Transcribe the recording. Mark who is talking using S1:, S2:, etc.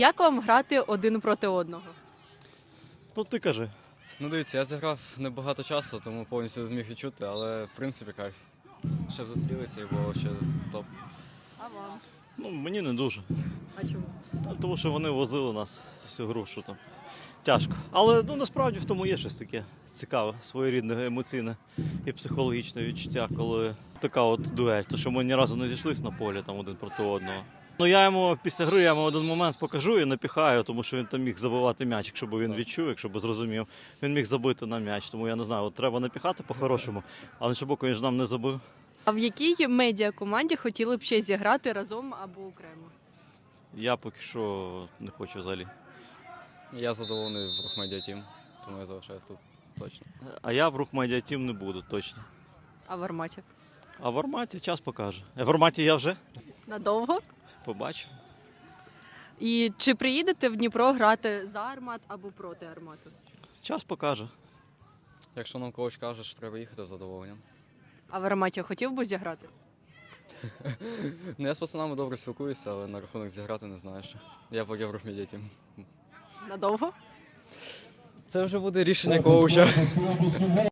S1: Як вам грати один проти одного?
S2: Ну ти кажи.
S3: Ну дивіться, я зіграв небагато часу, тому повністю не зміг відчути, але в принципі кайф. Щоб зустрілися і було ще топ.
S1: А вам?
S2: Ну мені не дуже.
S1: А чому?
S2: Тому що вони возили нас всю гру, що там тяжко. Але ну, насправді в тому є щось таке цікаве, своєрідне, емоційне і психологічне відчуття, коли така от дуель. То що ми ні разу не зійшлися на полі там один проти одного. Ну я йому після гри один момент покажу і напіхаю, тому що він там міг забивати м'яч, якщо б він відчув, якщо б зрозумів. Він міг забити на м'яч, тому я не знаю, от треба напіхати по-хорошому, а на боку він ж нам не забив.
S1: А в якій медіакоманді хотіли б ще зіграти разом або окремо?
S2: Я поки що не хочу взагалі.
S3: Я задоволений в Рух Медіа Тім, тому я залишаюсь тут точно.
S2: А я в Рух Медіа Тім не буду, точно.
S1: А в Арматі?
S2: А в Арматі час покаже. В Арматі я вже
S1: Надовго?
S2: побачив.
S1: І чи приїдете в Дніпро грати за Армат або проти Армату?
S2: Час покаже.
S3: Якщо нам коуч каже, що треба їхати, з задоволенням.
S1: А в Арматі хотів би зіграти?
S3: Ну, я з пацанами добре спілкуюся, але на рахунок зіграти не знаю ще. Я поки в Рух Медіа Тім.
S1: Надовго?
S3: Це вже буде рішення коуча.